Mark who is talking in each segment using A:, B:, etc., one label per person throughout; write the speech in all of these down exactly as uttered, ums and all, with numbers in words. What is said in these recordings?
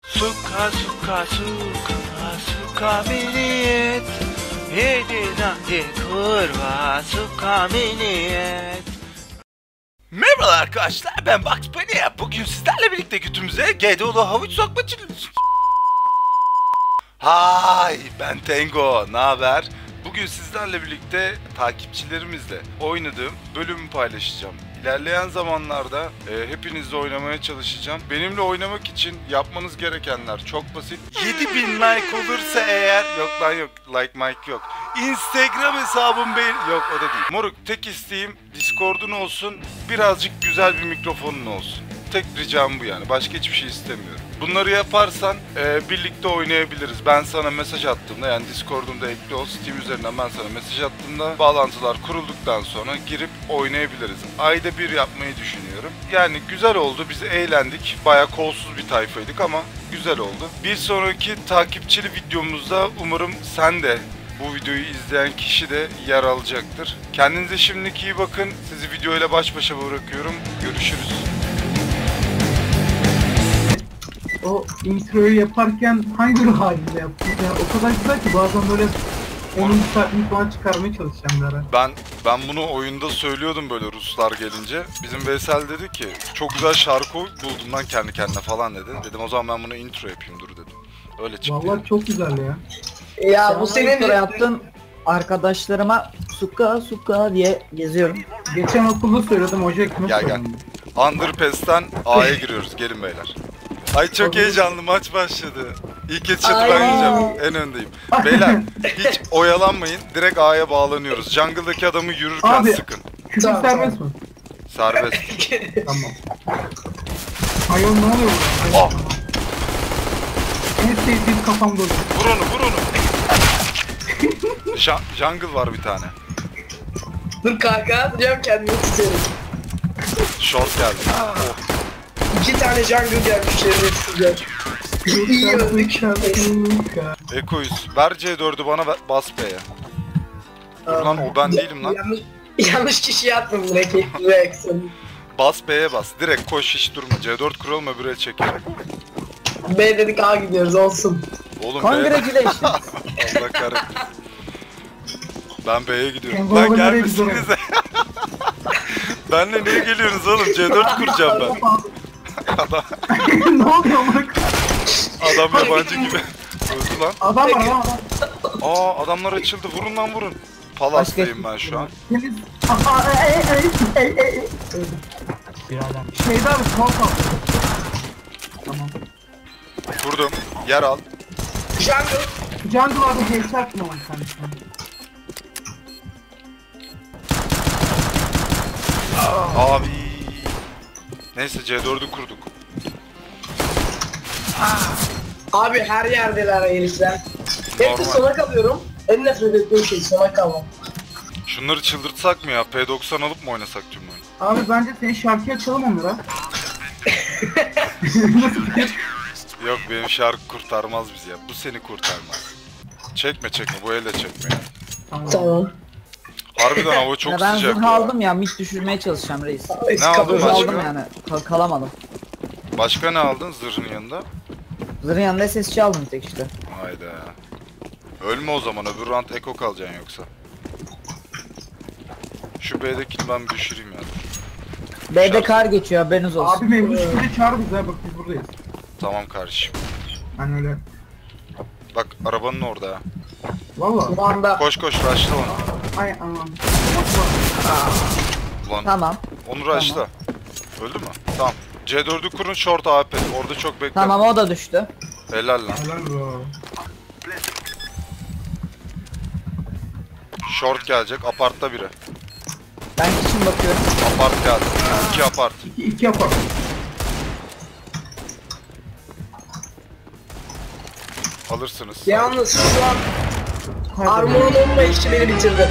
A: Suka suka suka suka miniyet Yedina kurva suka miniyet. Merhabalar arkadaşlar, ben Bugs Bunny. Bugün sizlerle birlikte götümüze G D O'lu havuç sokma challenge. Hay, ben Tengo, ne haber? Bugün sizlerle birlikte takipçilerimizle oynadığım bölümü paylaşacağım. İlerleyen zamanlarda e, hepinizle oynamaya çalışacağım. Benimle oynamak için yapmanız gerekenler çok basit. yedi bin like olursa eğer... Yok lan yok, like mike yok. Instagram hesabım benim... Yok, o da değil. Moruk, tek isteğim Discord'un olsun, birazcık güzel bir mikrofonun olsun. Tek ricam bu yani, başka hiçbir şey istemiyorum. Bunları yaparsan e, birlikte oynayabiliriz. Ben sana mesaj attığımda, yani Discord'umda ekli ol, Steam üzerinden ben sana mesaj attığımda bağlantılar kurulduktan sonra girip oynayabiliriz. Ayda bir yapmayı düşünüyorum. Yani güzel oldu, biz eğlendik. Bayağı kolsuz bir tayfaydık ama güzel oldu. Bir sonraki takipçili videomuzda umarım sen de, bu videoyu izleyen kişi de yer alacaktır. Kendinize şimdilik iyi bakın. Sizi videoyla baş başa bırakıyorum. Görüşürüz.
B: O introyu yaparken hangi ruh halinde yaptın? Yani o kadar güzel ki bazen böyle on saatlik falan çıkarmaya çalışacağım bir ara.
A: Ben ben bunu oyunda söylüyordum böyle Ruslar gelince. Bizim Veysel dedi ki çok güzel şarkı buldum lan kendi kendine falan dedi. Dedim o zaman ben bunu intro yapayım dur dedim. Öyle çıktı.
B: Vallahi
A: Yani.
B: çok güzel ya.
C: Ya
D: Sen
C: bu senin
D: intro yaptın, arkadaşlarıma suka suka diye geziyorum.
B: Geçen okulda söyledim, hoca ekmek
A: Gel, gel.
B: söyledim.
A: Underpass'ten A'ya giriyoruz, gelin beyler. Ay çok heyecanlı, maç başladı. İlk kez çatıdan
C: Ay.
A: yiyeceğim, en öndeyim. Beyler hiç oyalanmayın, direkt A'ya bağlanıyoruz. Jungle'daki adamı yürürken
B: Abi.
A: sıkın.
B: Küfür
C: Tamam,
B: serbest mi?
A: Serbest.
B: Tamam. Hayır, ne oluyor?
A: Oh,
B: En sevdiğim kafamda oluyor.
A: vur onu, vur onu. Ja- Jungle var bir tane.
C: Dur kanka atacağım kendimi tutuyorum.
A: Short geldi. Oh.
C: İki tane jungle gelmiş şerefsizler. İyi öldük.
A: Ekoyuz. Ver C dördü bana, ver, bas B'ye. Dur lan, o ben değilim lan.
C: Yanlış, yanlış kişiye attım direkt. Rex.
A: Bas B'ye bas. Direkt koş, hiç durma. C dört kuralım, öbür el çekelim.
C: B dedik A gidiyoruz olsun.
A: Oğlum B'ye...
D: Congratulations.
A: Allah kahretsin. Ben B'ye gidiyorum.
B: Kengo
A: Lan
B: nereye
A: gelmesinize. Benle niye geliyorsunuz oğlum? C dört kuracağım ben. Adam,
B: Ne oluyor bak?
A: adam yabancı gibi. Öldü lan.
B: Adam var lan adam.
A: Aa, adamlar açıldı. Vurun lan vurun. Palas'tayım ben şu an.
B: Temiz. Aa, ey, ey, ey, ey, ey. Şeyde abi, small kaldı. Tamam.
A: Vurdum. Yer al.
C: Jungle.
B: Jungle abi headshot mı var kendisine?
A: Abi. Neyse C dördü kurduk.
C: Abi her yerdeler herifler. Hep de
A: Normal.
C: sona kalıyorum. En nefret ettiğim şey sona kalmam.
A: Şunları çıldırtsak mı ya? P doksan alıp mı oynasak tüm oyunu?
B: Abi bence senin şarkıyı açalım onlara.
A: Yok, benim şarkı kurtarmaz bizi ya. Bu seni kurtarmaz. Çekme çekme, bu elle çekme ya.
B: Tamam.
C: Tamam.
A: Harbiden hava çok
D: ya ben
A: sıcak
D: zırh
A: ya.
D: aldım ya, mid düşürmeye çalışacağım reis.
A: Ne aldın
D: Zırh
A: başka?
D: aldım yani, kal kalamadım.
A: Başka ne aldın zırhın yanında?
D: Zırhın yanında S S C aldım bir tek işte.
A: Hayda. Ölme o zaman, öbür round eko kalacaksın yoksa. Şu B'dekini ben bir düşüreyim ya.
D: B'de kar geçiyor, haberiniz olsun.
B: Abi mevzu şurada çağır bize, bak biz buradayız.
A: Tamam kardeşim.
B: Hani öyle.
A: Bak arabanın orada ha.
B: Valla.
C: Bu anda
A: Koş koş rushla onu.
B: Ay aman.
A: Ulan
D: Tamam.
A: onu rushla. Öldü mü? Tamam. C dördü kurun, short A P. Orada çok bekle.
D: Tamam, o da düştü.
A: Helal lan.
B: Helal bro.
A: Short gelecek. Apartta biri.
D: Ben için bakıyorum.
A: Apart geldi. İki apart.
B: İki, iki yapar.
A: Alırsınız.
C: yalnız şu an
B: Hadi.
C: armorun olmayışı beni bitirdi.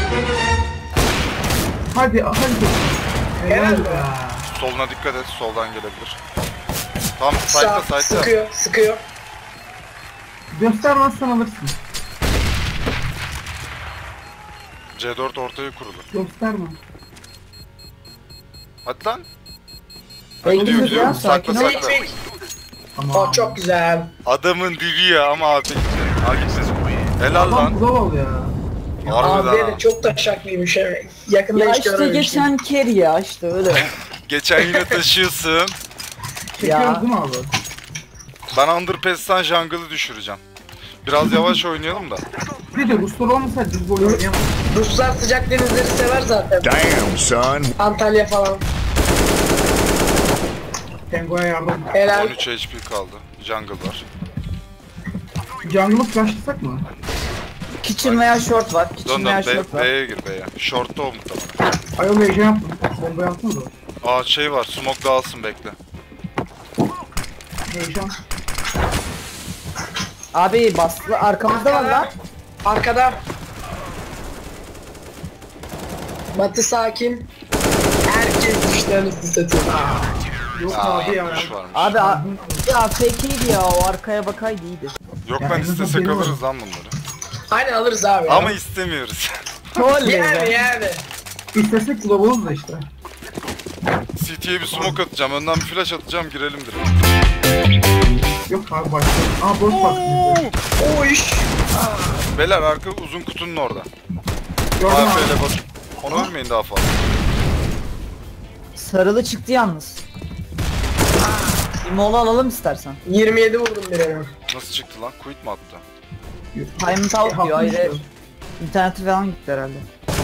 B: Hadi hadi. Helal
C: Helal
B: be.
A: Soluna dikkat et. Soldan gelebilir. Tam
C: Sağ,
A: side'da side'da.
C: sıkıyor, sıkıyor.
B: Göstermezsen alırsın.
A: C dört ortaya kurulu.
B: Gösterme.
A: Hadi lan.
D: Bekliyoruz
A: gidiyor, gidiyor.
D: ya,
A: Sakla
D: sakin ol.
A: sakla.
C: Fake, fake.
B: Tamam.
C: O çok güzel.
A: Adamın dibi ya ama abi. Ha gitsin. Helal
B: Adam
A: lan.
B: global ya.
A: Harbiden
C: Abi
A: ha.
C: de çok taşaklıymış evet. Yakında
D: Ya
C: hiç
D: işte
C: görmemiştim.
D: geçen ker ya işte öyle.
A: Geçen yine taşıyorsun.
B: Çekiyoruz
D: Ya.
B: değil mi abi?
A: Ben Underpass'tan jungle'ı düşüreceğim. Biraz yavaş oynayalım da.
B: Bir de Ruslar olmasa biz bu oyunu oynayamayız.
C: Ruslar sıcak denizleri sever zaten.
E: Damn, son.
C: Antalya falan.
B: Tengo'ya yardım.
C: Helal.
A: on üç H P kaldı. Jungle var.
B: Jungle'ı flashlasak mı?
D: Kitchen veya short var.
A: Dön
D: Kitchen veya
A: dön
D: short
A: B-
D: var.
A: B'ye gir B'ye. Short'ta o muhtemelen.
B: Ayol heyecan yaptım. Bomba yaptınız mı?
A: Aa şey var. Smoke dağılsın bekle.
B: Heyecan.
D: Abi bastı arkamızda var lan.
C: Arkada. Batı sakin. Herkes düşlerini satıyor.
B: Yok
A: Aa,
B: abi ya.
A: kuş varmış.
D: Abi a- ya fake'iydi ya o arkaya bakaydı iyiydi.
A: Yok
B: Ya
A: lan
B: en azından
A: istesek
B: benim
A: alırız lan bunları.
C: Aynen alırız abi.
A: Ama istemiyoruz.
D: Oley
C: yani
D: be.
C: yani.
B: İstesek globalız da işte.
A: C T'ye bir smoke atacağım. Önden bir flash atacağım. Girelim direkt.
B: Yok abi başlayalım. Aa boş bak.
C: O iş.
A: Beyler arka uzun kutunun orada.
B: Gördüm
A: A
B: abi.
A: F ile bas. Onu ölmeyin daha fazla.
D: Sarılı çıktı yalnız. Bir mola alalım istersen.
C: yirmi yedi vurdum birine.
A: Nasıl çıktı lan? Quit mi attı?
D: Time out diyor hayır.
B: Haklısın.
D: İnterneti falan gitti herhalde.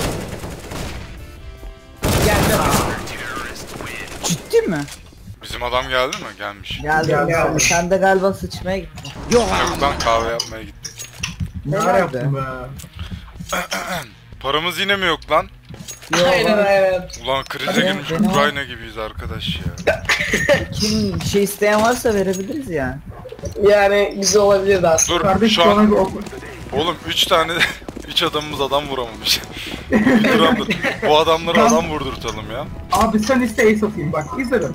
C: Geldi.
D: Ciddi mi?
A: Bizim adam geldi mi? Gelmiş.
D: Geldi.
B: Geldi
D: Sen-
B: abi.
D: Sen de galiba sıçmaya gittin.
A: Yok lan kahve yapmaya gitti.
B: Ne
D: Helal
B: yaptın be?
A: Paramız yine mi yok lan?
C: Aynen aynen.
A: Ulan krize
D: Benim-
A: girmiş
D: benim-
A: Ukrayna gibiyiz arkadaş ya.
D: Kim bir şey isteyen varsa verebiliriz yani.
C: Yani güzel olabilirdi aslında.
A: Dur
B: Kardeş
A: şu
B: bana
A: an
B: bir ok.
A: oğlum üç tane üç adamımız adam vuramamış. dur lan dur. Bu adamları adam vurdurtalım ya.
B: Abi sen iste ace atayım bak izlerim.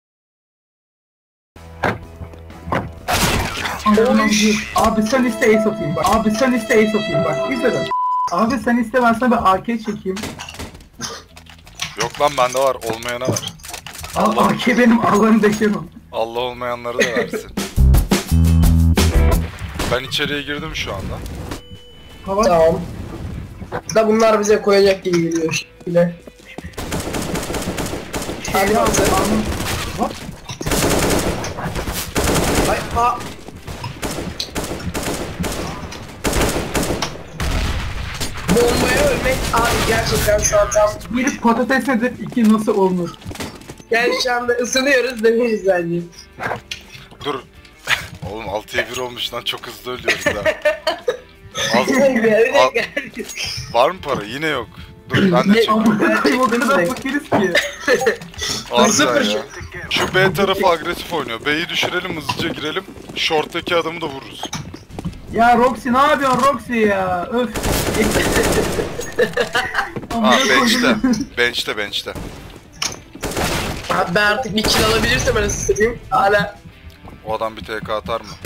B: Abi sen iste ace atayım bak. Abi sen iste ace atayım bak izlerim. Abi sen iste ben sana bir A K çekeyim.
A: Yok lan bende var olmayana var.
B: Al A K benim Allah'ını deşemem.
A: Allah olmayanları da versin. Ben içeriye girdim şu anda.
B: Hava
C: Tamam. Da bunlar bize koyacak gibi geliyor şimdi. Hadi
B: al.
C: bakalım.
B: Hop.
C: Ay, a. Bombaya ölmek abi gerçekten şu an tam
B: Bir patates nedir? İki nasıl olunur?
C: yani şu anda ısınıyoruz demeyiz bence.
A: Dur. Oğlum altıya bir olmuş lan çok hızlı ölüyoruz ha. Az,
C: Bir dakika, bir dakika.
A: var mı para? Yine yok. Dur ben de çekeyim.
B: Ama koyayım o kadar fakiriz ki.
A: Harbiden ya. Şu B tarafı agresif oynuyor. B'yi düşürelim hızlıca girelim. Short'taki adamı da vururuz.
B: Ya Roxy ne yapıyorsun Roxy ya? Öf.
A: Ha
B: Amına
A: bench'te.
B: koydum.
A: Bench'te bench'te.
C: Abi ben artık bir kill alabilirsem ben ısıtayım. Hala
A: O adam bir T K atar mı?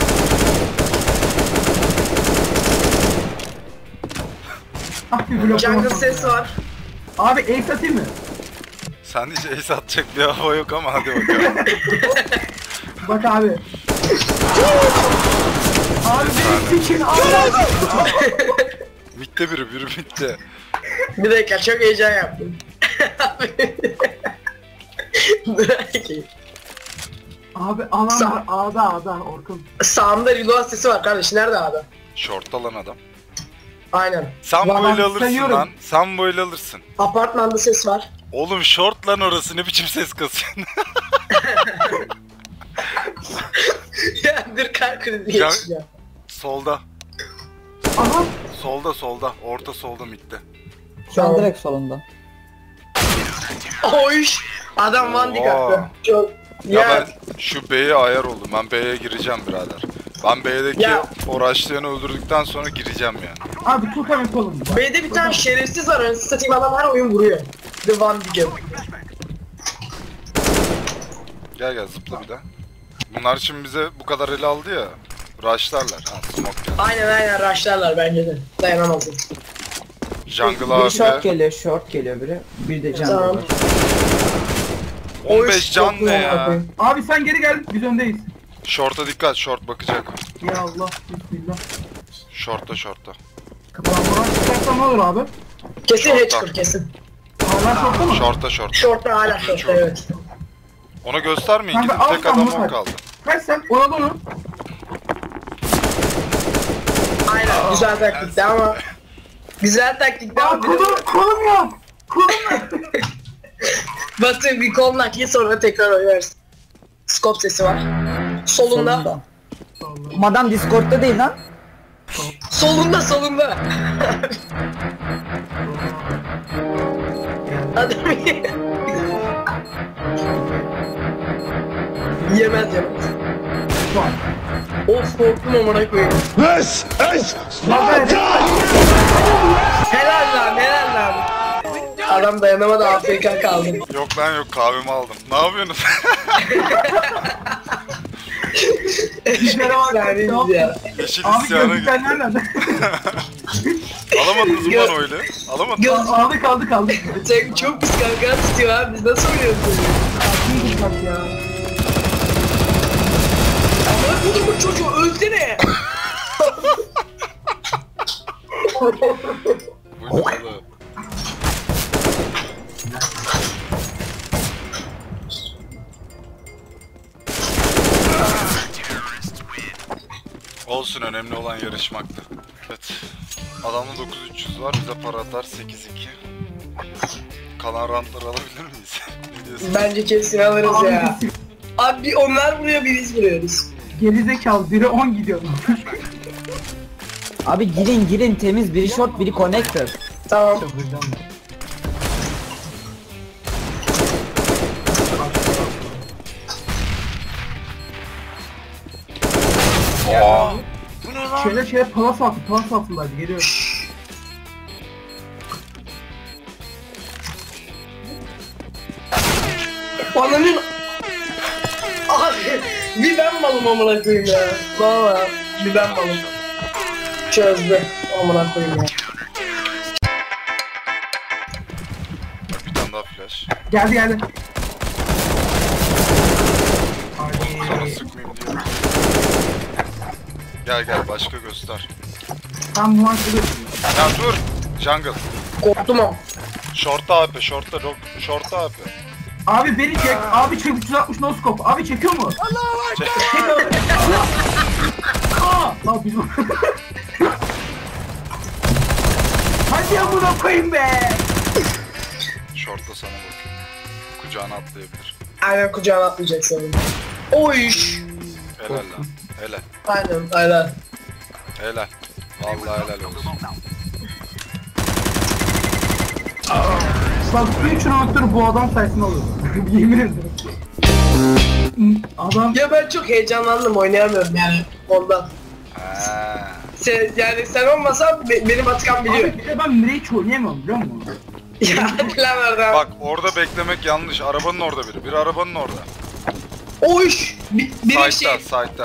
B: Ah bir blok
C: jungle
B: olsun
C: ses
B: ya.
C: var.
B: Abi ace atayım mı?
A: Sen hiç ace atacak bir hava yok ama hadi bakalım.
B: Bak abi. Abi benim için Allah.
A: Mitte biri biri mitte.
C: Bir dakika çok heyecan yaptım. Dur bakayım.
B: Abi alan var A'da A'da Orkun.
C: Sağımda reload sesi var kardeş. Nerede abi?
A: Short'ta lan adam.
C: Aynen.
A: Sen
B: Ulan
A: böyle
B: ben
A: alırsın
B: sayıyorum.
A: lan. Sen böyle alırsın.
C: Apartmanda ses var.
A: Oğlum short lan orası ne biçim ses kasıyorsun?
C: Ya dur kalp krizi
A: Ya-
C: geçeceğim.
A: Solda.
B: Aha.
A: Solda solda. Orta solda mitte.
D: Şu an
C: Tamam.
D: direkt solunda.
C: Oy! Adam one dick
A: Oha.
C: attı. Çok...
A: Ya,
C: Ya,
A: ben şu B'ye ayar oldum. Ben B'ye gireceğim birader. Ben B'deki
C: Ya.
A: o rushlayanı öldürdükten sonra gireceğim yani.
B: Abi tut hemen kolum. Bak.
C: B'de bir tane şerefsiz var. Önce satayım adam her oyun vuruyor. The one dick.
A: Gel gel zıpla bir daha. Bunlar şimdi bize bu kadar ele aldı ya. Rushlarlar. Ha smoke geldi.
C: Aynen aynen rushlarlar bence de. Dayanamazdım.
A: Jungle
D: Biri short
A: abi.
D: geliyor, short geliyor biri. Bir de jungle
C: Tamam.
D: var.
A: on beş
C: Oy,
A: can
C: çok
A: ne
C: güzel
A: ya?
C: abi.
B: Abi sen geri gel biz öndeyiz.
A: Short'a dikkat, short bakacak.
B: Ya Allah, bismillah.
A: Short'ta short'ta.
B: Kapıdan buradan çıkarsa ne olur abi?
C: Kesin
A: Şorttan.
C: Hatcher kesin.
B: Hala şortta mı?
A: Short'ta short.
C: Short'ta hala
A: Otuz üç
C: short'ta
A: vurdu.
C: evet.
A: Ona göstermeyin,
B: Kanka,
A: gidin
B: al
A: tek
B: sen
A: adam
B: bunu
A: o
B: kaç.
A: kaldı.
B: Kaç sen? Ona bunu.
C: Aynen güzel taktikti ama. Güzel taktikti
B: Aa
C: ama.
B: kolum, kolum yok. Kolum yok.
C: Batı bir kol nakli sonra tekrar oynarsın. Scope sesi var. Solunda.
D: Solunda. Madam Discord'da değil lan.
C: Solunda solunda. Adam yemez yemez.
B: Var.
C: Of korktum amına koyayım.
E: This is Sparta!
C: Helal lan helal lan. Adam dayanamadı A F K kaldı.
A: Yok lan yok, kahvemi aldım. Ne yapıyorsunuz?
B: İşlere bak.
C: Efsaneyiz ya.
A: Yeşil
B: Abi
A: isyana
B: gözlükler
A: gitti.
B: nerede?
A: Alamadınız mı
C: Gö-
A: lan öyle? Alamadınız.
C: Göz
B: Aldı kaldı kaldı.
C: sen çok pis kanka tutuyor abi biz nasıl oynuyoruz bunu?
B: İyi bak ya.
C: Ama bu bu çocuğu ölsene.
A: Bu ne oğlum? Olsun, önemli olan yarışmaktı. Evet. Adamda dokuz bin üç yüz var, bize para atar sekiz iki. Kalan rantları alabilir miyiz? Ne diyorsun?
C: Bence kesin alırız
B: Abi
C: ya.
B: biz-
C: Abi bir onlar vuruyor bir biz vuruyoruz.
B: Gerizekalı biri on gidiyor.
D: Abi girin girin temiz biri short biri connector.
C: Tamam.
A: Aa,
B: Şöyle şöyle palas altı, palas altındaydı, geliyor.
C: Ananın... Abi bir ben malım amına koyayım ya. Valla bir ben malım. Çözdü amına koyayım ya.
A: bir tane daha flash.
B: Geldi geldi.
A: Oğlum sana sıkmayayım diye. Gel gel, başka göster.
B: Tam bu an şöyle...
A: Ya dur! Jungle.
C: Korktum ama.
A: Short'ta A P, short'ta rock, short'ta A P.
B: Abi beni çek, abi çek üç yüz altmış no scope. Abi çekiyor mu?
A: Çek.
B: Aa! Lan biz... Hadi amına koyayım be!
A: Short'ta sana bakıyor. Kucağına atlayabilir.
C: Aynen kucağına atlayacak sanırım. Oy.
A: Helal lan. Helal.
C: Aynen aynen.
A: Helal. Vallahi helal olsun.
B: Bak üç round'dur bu adam sayesinde alıyor. Yemin ederim. Adam...
C: Ya ben çok heyecanlandım oynayamıyorum yani ondan.
A: Ha.
C: Sen, yani sen olmasan be, benim Atakan biliyor.
B: Abi bir de ben Mirage hiç oynayamıyorum biliyor musun?
C: Ya plan orada.
A: Bak orada beklemek yanlış. Arabanın orada biri. Bir arabanın orada.
C: Oy. Bir, bir
A: Side'da,
C: şey.
A: side'da.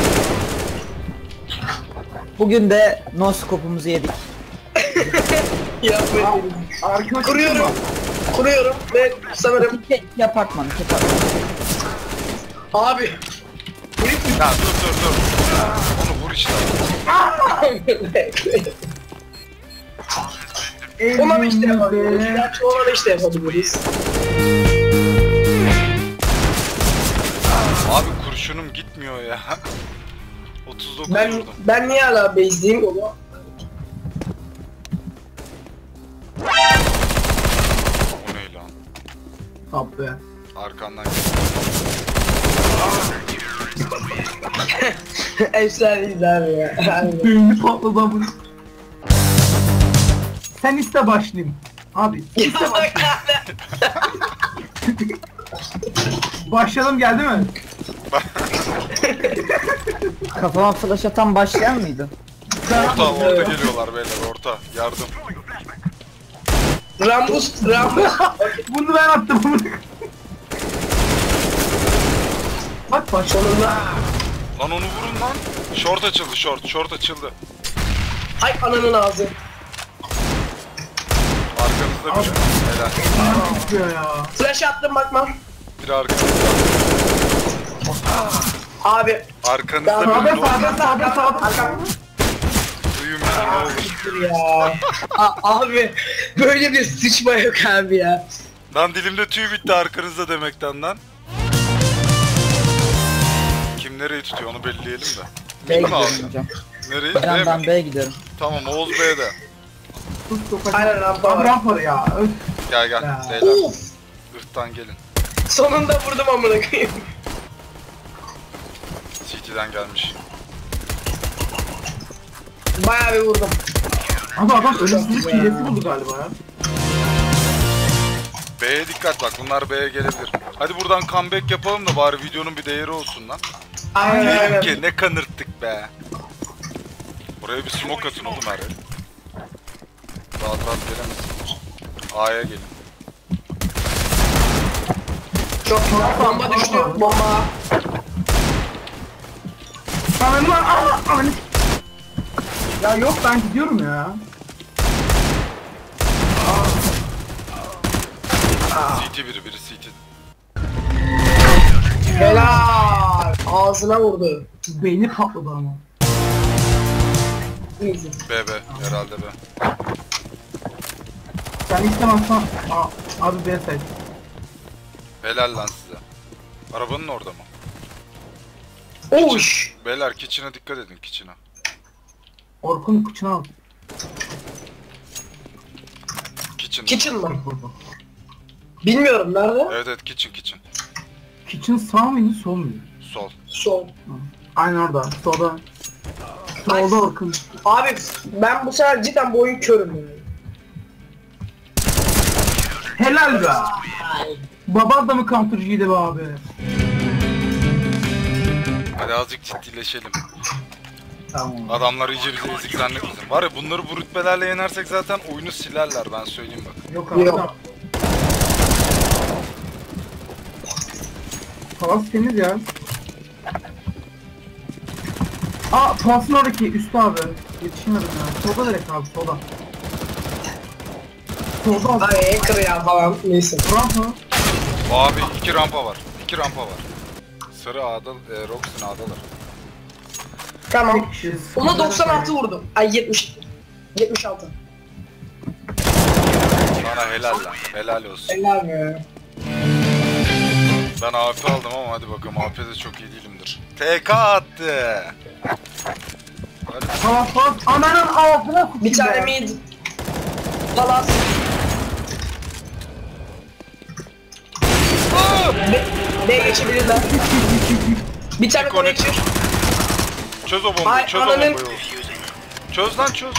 D: Bugün de no scope'umuzu yedik.
C: Yapmayın.
B: Arkadaşım
C: Kuruyorum. Kuruyorum ve sanırım
D: İki, iki apartman iki apartman.
C: abi.
A: Ya dur dur dur. Onu vur işte.
C: Ona işte yapabiliriz.
B: Elimizde...
C: Gerçi ona işte yapabiliriz.
A: Abi kurşunum gitmiyor ya. otuz dokuz
C: Ben
A: vurdum.
C: ben niye hala base'liyim onu?
A: O ne lan?
B: Abi.
A: Arkandan
C: Efsaneyiz abi ya. Aynen.
B: Düğümü patladı amına. Sen iste başlayayım. Abi iste başlayayım. Başlayalım geldi mi?
D: Kafama flash atan başlayan mıydı?
A: orta orta geliyorlar beyler, orta. Yardım.
C: Rambus, Rambus.
B: Bunu ben attım bunu. Bak baş.
C: Sonunda.
A: Lan onu vurun lan. Short açıldı, short. Short açıldı.
C: Ay ananın ağzı.
A: Arkanızda biri. Helal.
B: Çıkıyor ya.
C: Flash attım bakma.
A: Biri arkanızda.
C: Abi.
A: Arkanızda
C: Sağda,
A: bir
B: Sağda sağda sağda sağda.
A: duyun beni ne olur.
C: Siktir ya. A- abi böyle bir sıçma yok abi ya.
A: Lan dilimde tüy bitti arkanızda demekten lan. Kim nereyi tutuyor onu belirleyelim de.
D: B'ye
A: Kim aldı?
D: gidiyorum hocam.
A: Nereyi?
D: Ben,
A: Değil
D: ben
A: mi?
D: B'ye gidiyorum.
A: Tamam Oğuz B'de.
B: Sus sokak.
C: Aynen rampa
B: Abi
C: var.
B: rampa ya. Öf.
A: Gel gel.
B: Ya.
A: Beyler.
C: Of.
A: Irktan gelin.
C: Sonunda vurdum amına koyayım.
A: C T'den gelmiş.
C: Bayağı bir vurdum.
B: Abi adam ölümsüzlük hilesi buldu galiba ya.
A: B'ye dikkat bak bunlar B'ye gelebilir. Hadi buradan comeback yapalım da bari videonun bir değeri olsun lan.
C: Aynen
A: Diyelim
C: aynen.
A: ki ne kanırttık be. Buraya bir smoke atın oğlum her yer. Rahat rahat gelemezsiniz. A'ya gelin.
C: Çok bomba düştü. Bomba.
B: Ananı aa ananı. Ya yok ben gidiyorum ya.
A: C T biri biri C T.
C: Helal. Ağzına vurdu.
B: Beyni patladı ama.
C: Easy.
A: B B herhalde B.
B: Sen istemezsen aa, abi B say.
A: Helal lan size. Arabanın orada mı?
C: Oş.
A: Beyler kitchen'a dikkat edin kitchen'a.
B: Orkun kıçına al.
A: Kitchen.
C: Kitchen mı? Bilmiyorum nerede?
A: Evet evet kitchen kitchen.
B: Kitchen sağ mıydı sol muydu?
A: Sol.
C: Sol.
B: Aynen orada. Solda. Solda Orkun.
C: Abi ben bu sefer cidden bu oyun körüm yani.
B: Helal be. Baba da mı counter'cıydı be abi?
A: Hadi azıcık ciddileşelim.
B: Tamam.
A: Adamlar iyice bizi ezik zannetmesin. Var ya bunları bu rütbelerle yenersek zaten oyunu silerler ben söyleyeyim bak.
B: Yok abi.
C: Yok.
B: Palas temiz ya. Aa Palas'ın oradaki üstü abi. Yetişemedim ya. Solda direkt abi solda. Solda abi.
C: Ay hacker ya falan neyse.
B: Rampa.
A: Abi iki rampa var. İki rampa var. Sarı A'da, e, Rox'un A'dalar.
C: Tamam.
B: Tek kişi.
C: Ona doksan altı vurdum. Ay yetmiş. yetmiş altı.
A: Bana helal lan. Helal olsun.
C: Helal be.
A: Ben A P aldım ama hadi bakalım A P'de çok iyi değilimdir. T K attı. Hadi.
B: Palas Palas. Ananın ağzına kutu.
C: Bir tane mid. Palas. B, B geçebilirler. Bir tane connector.
A: Çöz o bombayı,
C: Ay,
A: çöz o
C: ananın-
A: bombayı. Çöz lan çöz.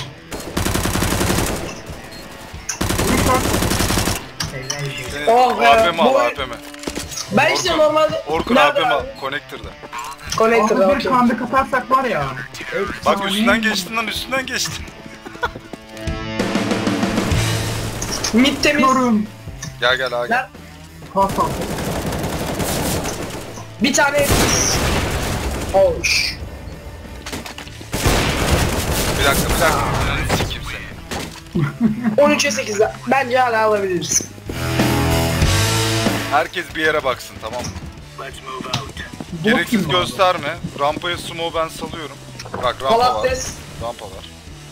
A: Senin
C: Oh be,
A: A P mi al
C: bu-
A: A P mi?
C: Ben işte
A: Orkun-
C: normalde...
A: Orkun
C: Nerede
A: A P mi al?
C: abi?
A: Connector'da.
C: Connector'da
B: Abi bir
C: okey.
B: kandı katarsak var ya.
A: Bak
B: efsane.
A: üstünden geçtin lan üstünden geçtin.
C: Mid temiz.
B: Yorum.
A: Gel gel A gel.
C: Lan,
B: Pas al.
C: bir tane... Oş.
A: Bir dakika bir dakika. Ananı sikeyim seni.
C: on üçe sekiz. Bence hala alabiliriz.
A: Herkes bir yere baksın tamam mı?
B: Bot
A: Gereksiz
B: gibi abi.
A: gösterme. Rampaya smoke ben salıyorum. Bak rampa var.
C: Palates.
A: Rampa var.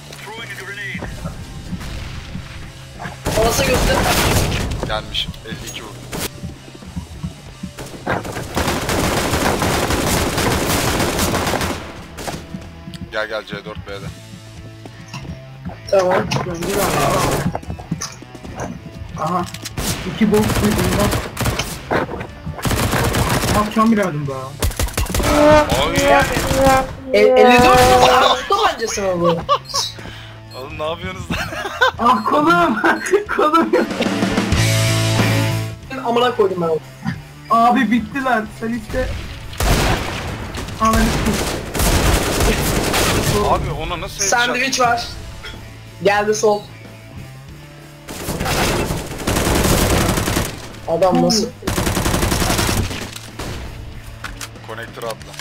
C: Palasa göster.
A: Gelmişim. elli iki vurdum. Gel gel C dört B'de.
B: Tamam. Gönder abi. Aha. İki box bundan. Akşam bilemedim daha.
A: Ay.
C: E, elli dört mu? Armut tabancası mı bu?
A: Oğlum ne yapıyorsunuz lan?
B: Ah kolum. Kolum.
C: Amına koydum ben onu.
B: Abi bittiler. Sen işte. Ananı
A: Abi ona nasıl headshot?
C: Sandviç var. Geldi sol. Adam nasıl?
A: Connector atla.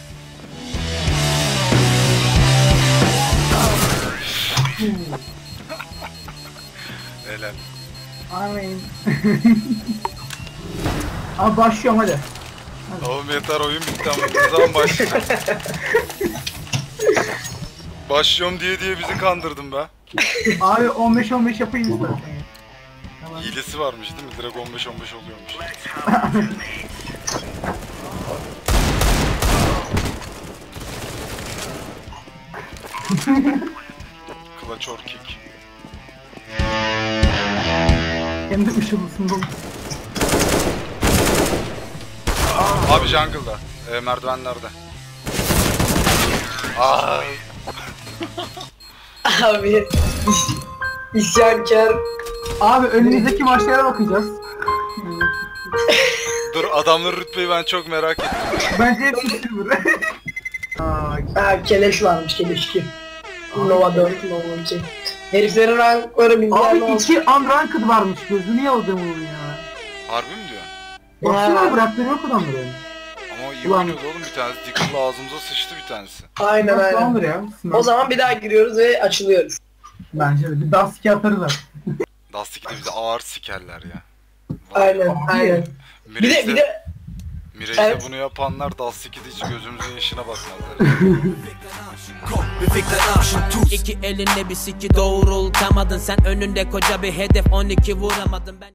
A: Helal.
B: Amin. Abi başlıyorum hadi.
A: Oğlum yeter, oyun bitti ama ne zaman başlayacağım? Başlıyorum diye diye bizi kandırdın be.
B: Abi on beş on beş yapayım istersen. Tamam.
A: Hilesi varmış değil mi? Direkt on beş on beş oluyormuş. Clutch or kick.
B: Kendi ışılısında.
A: Abi jungle'da. E, merdivenlerde. Aa,
C: Abi isyankar.
B: Abi önümüzdeki maçlara bakacağız.
A: dur, adamların rütbeyi ben çok merak ettim.
B: Bence hepsi silver. Aa,
C: Ha keleş varmış, keleş iki. Nova dört, Nova iki. Heriflerin rankları bilmem
B: abi
C: ne olsun.
B: iki unranked varmış. Gözünü yaladım onun ya.
A: Harbi mi diyorsun?
B: Baksana
C: Ya.
B: bırakları yok adamları.
A: Ama iyi
B: Ulan.
A: oynuyordu oğlum bir tanesi. Diggle'la ağzımıza sıçtı bir tanesi.
C: Aynen
B: Nasıl
C: aynen.
B: alır ya?
C: O zaman bir daha giriyoruz ve açılıyoruz.
B: Bence de bir daha siki atarız abi.
A: Dustik'te bizi ağır sikerler ya.
C: Aynen
B: Abi.
C: aynen. Bir de bir de
A: Mirage'de
C: Evet.
A: bunu yapanlar Dustik'te hiç gözümüzün yaşına bakmazlar.
F: Bir fikre aşın tuz. İki elinle bir siki doğrultamadın. Sen önünde koca bir hedef on iki vuramadın ben.